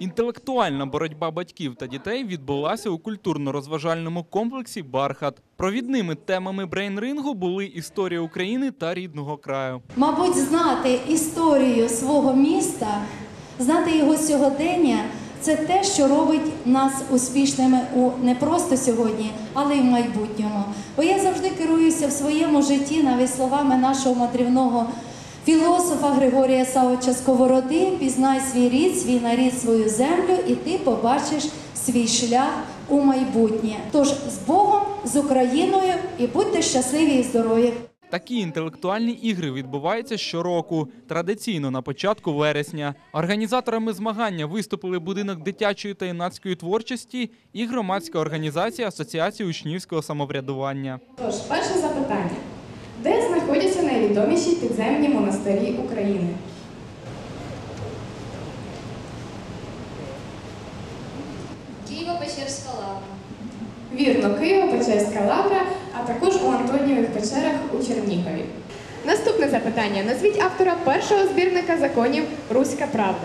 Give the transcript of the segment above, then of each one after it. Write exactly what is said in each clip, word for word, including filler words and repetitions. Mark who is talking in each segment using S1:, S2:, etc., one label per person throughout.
S1: Інтелектуальна боротьба батьків та дітей відбулася у культурно-розважальному комплексі «Бархат». Провідними темами брейн-рингу були історія України та рідного краю.
S2: Мабуть, знати історію свого міста, знати його сьогодення – це те, що робить нас успішними у не просто сьогодні, але й в майбутньому. Бо я завжди керуюся в своєму житті навіть словами нашого мадрівного філософа Григорія Савовича Сковороди: «Пізнай свій рід, свій нарід, свою землю, і ти побачиш свій шлях у майбутнє». Тож з Богом, з Україною, і будьте щасливі і здорові!
S1: Такі інтелектуальні ігри відбуваються щороку, традиційно на початку вересня. Організаторами змагання виступили будинок дитячої та юнацької творчості і громадська організація Асоціації учнівського самоврядування.
S3: Тож, перше запитання. Де знаходяться найвідоміші підземні монастирі України?
S4: Києво-Печерська лавра.
S3: Вірно, Києво-Печерська лавра, а також у Антонієвих печерах у Чернігові. Наступне запитання. Назвіть автора першого збірника законів «Руська правда».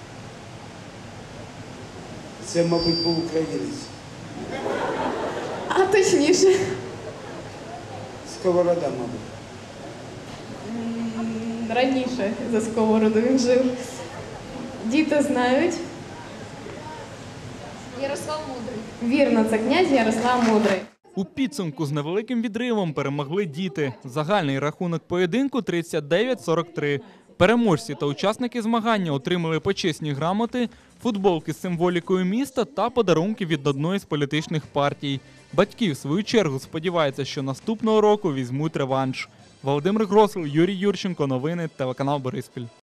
S5: Це, мабуть, був українець.
S3: А точніше?
S5: Сковорода, мабуть.
S3: Раніше за Сковороду він жив. Діти знають.
S4: Ярослав Мудрий.
S3: Вірно, це князь Ярослав Мудрий.
S1: У підсумку з невеликим відривом перемогли діти. Загальний рахунок поєдинку – тридцять дев'ять сорок три. Переможці та учасники змагання отримали почесні грамоти, футболки з символікою міста та подарунки від одної з політичних партій. Батьки, в свою чергу, сподіваються, що наступного року візьмуть реванш. Володимир Гросл, Юрій Юрченко. Новини, телеканал Бориспіль.